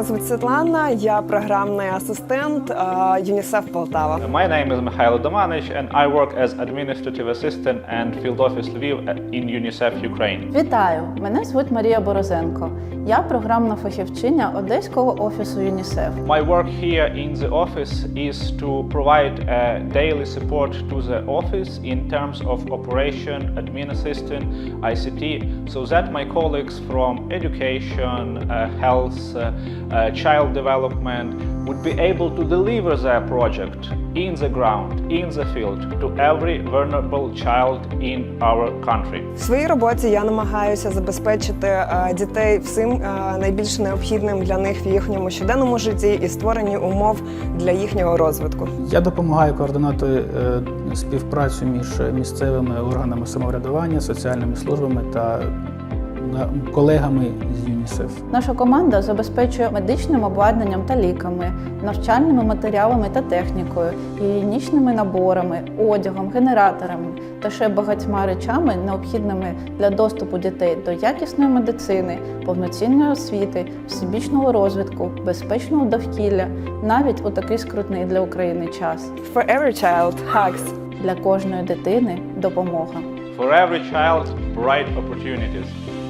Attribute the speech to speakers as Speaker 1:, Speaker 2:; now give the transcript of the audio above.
Speaker 1: Мене звуть Світлана, я програмний асистент ЮНІСЕФ Полтава.
Speaker 2: My name is Mikhailo Domanich and I work as administrative assistant and field office Lviv in UNICEF Ukraine.
Speaker 3: Вітаю! Мене звуть Марія Борозенко. Я програмна фахівчиня Одеського офісу ЮНІСЕФ.
Speaker 2: My work here in the office is to provide daily support to the office in terms of operation, admin assistant, ICT, so that my colleagues from education, health, child development would be able to deliver their project in the ground, in the field, to every vulnerable child in our country.
Speaker 1: В своїй роботі я намагаюся забезпечити дітей всім найбільш необхідним для них в їхньому щоденному житті і створенні умов для їхнього розвитку.
Speaker 4: Я допомагаю координувати співпрацю між місцевими органами самоврядування, соціальними службами та колегами з ЮНІСЕФ.
Speaker 3: Наша команда забезпечує медичним обладнанням та ліками, навчальними матеріалами та технікою, гігієнічними наборами, одягом, генераторами та ще багатьма речами, необхідними для доступу дітей до якісної медицини, повноцінної освіти, всебічного розвитку, безпечного довкілля, навіть у такий скрутний для України час.
Speaker 1: For every child, hugs.
Speaker 3: Для кожної дитини – допомога.
Speaker 2: For every child, bright opportunities.